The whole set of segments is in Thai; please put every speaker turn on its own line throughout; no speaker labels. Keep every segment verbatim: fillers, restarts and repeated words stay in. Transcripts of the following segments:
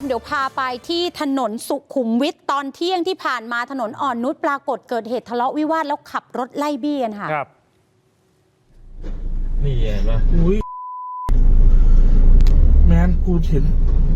เดี๋ยวพาไปที่ถนนสุขุมวิทตอนเที่ยงที่ผ่านมาถนนอ่อนนุชปรากฏเกิดเหตุทะเลาะวิวาทแล้วขับรถไล่บี้กันค่ะ
ครับนี่เห็นไหมอุ้ยแมนกูเห็น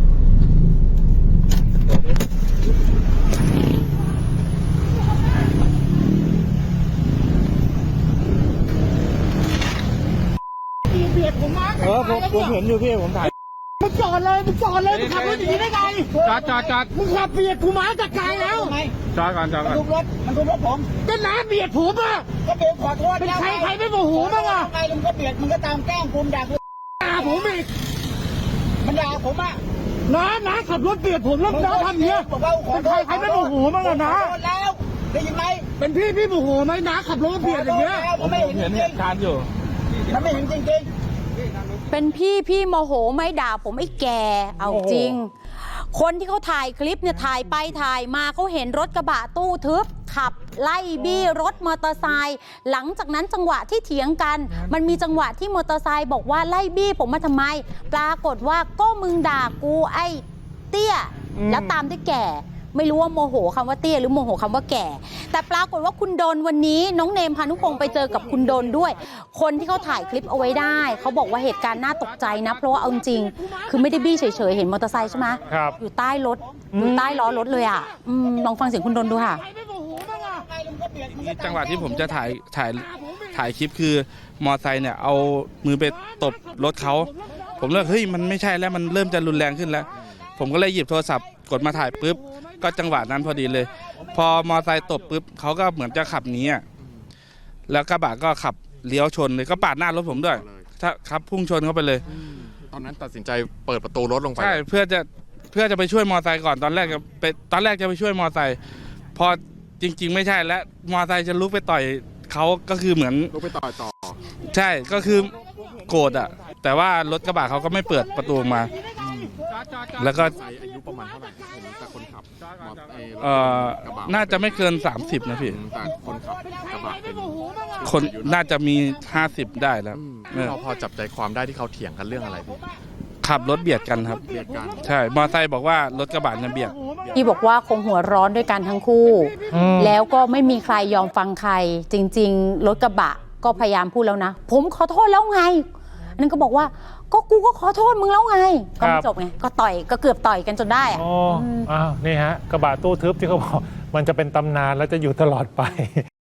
เบียดผมมาเออผมผมเห็นอยู่พี่ผมถ่ายมึงจอดเลยมึงจอดเลยมึงขับรถอย่างนี้ได้ไงจอดจอดจอดมึงขับเบียดกูมาจากไกลแล้วจอดก่อนจอดก่อนมันทุบรถมันทุบรถผมก็น้าเบียดผมอ่ะก็เบียดขอโทษเป็นใครใครไม่โมโหบ้างอ่ะใครมึงก็เบียดมึงก็ตามแกล้งกูด่ากูด่าผมอีกมันด่าผมอ่ะน้าน้าขับรถเบียดผมแล้วน้าทำเนี้ยเป็นใครใครไม่โมโหบ้างอ่ะน้าแล้วได้ยินไหมเป็นพี่พี่โมโหไหมน้าขับรถเบียดอย่างเงี้ยผมไม่เห็นเหตุการณ์อยู่มันไม่เห็นจริงๆ
เป็นพี่พี่โมโหไม่ด่าผมไอ้แกเอาจริงคนที่เขาถ่ายคลิปเนี่ยถ่ายไปถ่ายมาเขาเห็นรถกระบะตู้ทึบขับไล่บี้รถมอเตอร์ไซค์หลังจากนั้นจังหวะที่เถียงกันมันมีจังหวะที่มอเตอร์ไซค์บอกว่าไล่บี้ผมมาทำไมปรากฏว่าก็มึงด่ากูไอ้เตี้ยแล้วตามด้วยแก่ไม่รู้ว่าโมโหคำว่าเตี้ยหรือโมโหคำว่าแก่แต่ปรากฏว่าคุณดนวันนี้น้องเนมพานุพงศ์ไปเจอกับคุณดนด้วยคนที่เขาถ่ายคลิปเอาไว้ได้เขาบอกว่าเหตุการณ์น่าตกใจนะเพราะว่าเอาจริงคือไม่ได้บี้เฉยๆเห็นมอเตอร์ไซค์ใช่ไหมอยู่ใต้รถอยู่ใต้ล้อรถเลยอ่ะลองฟังเสียงคุณดนดูค่ะ
จังหวะที่ผมจะถ่ายถ่ายถ่ายคลิปคือมอไซค์เนี่ยเอามือไปตบรถเขาผมเลยเฮ้ยมันไม่ใช่แล้วมันเริ่มจะรุนแรงขึ้นแล้วผมก็เลยหยิบโทรศัพท์กดมาถ่ายปุ๊บก็จังหวะนั้นพอดีเลยพอมอไซค์ตบปุ๊บเขาก็เหมือนจะขับหนีอ่ะแล้วกระบะก็ขับเลี้ยวชนเลยก็ปาดหน้ารถผมด้วยถ้าครับพุ่งชนเข้าไปเลย
ตอนนั้นตัดสินใจเปิดประตูรถลงไป
ใช่เพื่อจะเพื่อจะไปช่วยมอไซค์ก่อนตอนแรกจะไปตอนแรกจะไปช่วยมอไซค์พอจริงๆไม่ใช่แล้วมอไซค์จะลุกไปต่อยเขาก็คือเหมือน
ลุกไปต่อยต่อ
ใช่ก็คือโกรธอ่ะแต่ว่ารถกระบะเขาก็ไม่เปิดประตูมาแล้วก็
อายุประมาณเท่าไหร่แต่คนขับ
เอ่อน่าจะไม่เกินสามสิบนะพี่
แต่คนขับกระบะเป็น
คนน่าจะมีห้าสิบได้แล้ว
เราพอจับใจความได้ที่เขาเถียงกันเรื่องอะไรพี่
ขับรถเบียดกันครับ
เบียดกัน
ใช่มอไซค์บอกว่ารถกระบะเนี่ยเบียด
พี่บอกว่าคงหัวร้อนด้วยกันทั้งคู่แล้วก็ไม่มีใครยอมฟังใครจริงๆรถกระบะก็พยายามพูดแล้วนะผมขอโทษแล้วไงอันนั้นก็บอกว่าก็กูก็ขอโทษมึงแล้วไงก็ไม่จบไงก็ต่อยก็เกือบต่อยกันจนได้
อ๋ออ้าวนี่ฮะกระบะตู้ทึบที่เขาบอกมันจะเป็นตำนานแล้วจะอยู่ตลอดไป